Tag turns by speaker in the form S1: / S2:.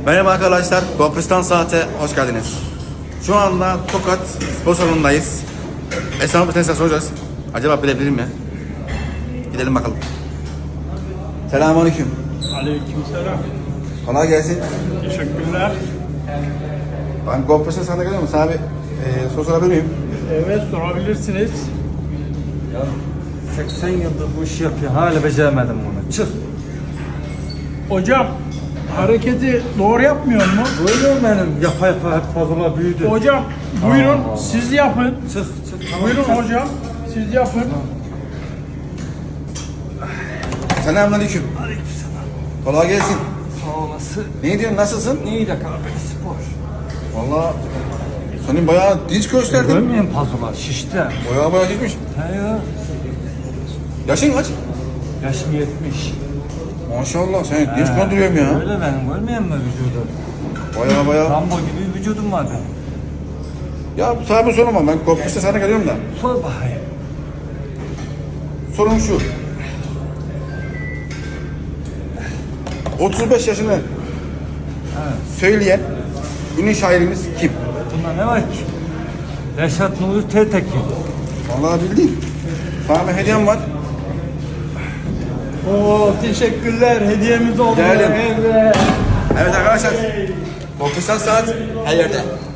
S1: Merhaba arkadaşlar, Gopristan Saat'e hoş geldiniz. Şu anda Tokat spor salonundayız. Esnaf bir tane soracağız. Acaba bilebilir mi? Gidelim bakalım. Selamünaleyküm.
S2: Aleykümselam.
S1: Kolay gelsin.
S2: Teşekkürler.
S1: Ben Gopristan Saat'e geliyorum. Sana bir soru sorabilir miyim?
S2: Evet, sorabilirsiniz.
S3: Ya 80 yıldır bu işi yapıyor. Hala beceremedim bunu. Çık.
S2: Hocam, hareketi doğru yapmıyor mu?
S3: Böyle mi benim? Yapa yapa hep fazla büyüdü.
S2: Hocam, buyurun
S3: Allah.
S2: siz yapın.
S3: Çık. Tamam,
S2: Buyurun
S3: çık.
S2: hocam, siz yapın.
S1: Selamünaleyküm.
S3: Aleykümselam.
S1: Kolay gelsin.
S3: Sağ olasın.
S1: Ne diyorsun, nasılsın?
S3: Neydi abi spor?
S1: Vallahi senin bayağı dinç gösterdin.
S3: Görmüyor musun pazular? Şişti.
S1: Bayağı şişmiş.
S3: He ya.
S1: Yaşın kaç?
S3: Yaşım 70.
S1: Maşallah, sen dinç duruyorum ya.
S3: Öyle benim. Görmüyor musun vücudu?
S1: Bayağı.
S3: Rambo gibi bir vücudum var benim.
S1: Ya sana bir sorum var. Ben Gopristan Saat'e geliyorum da.
S3: Sor bakayım.
S1: Sorum şu. 35 yaşını söyleyen ünlü şairimiz kim?
S3: Bunda ne var ki? Reşat Nuri Tetekin.
S1: Vallahi bildin. Sana bir hediyem var.
S2: Oo, teşekkürler. Hediyemiz oldu.
S1: Değerli.
S2: Evet.
S1: Evet arkadaşlar. Gopristan Saat her yerde.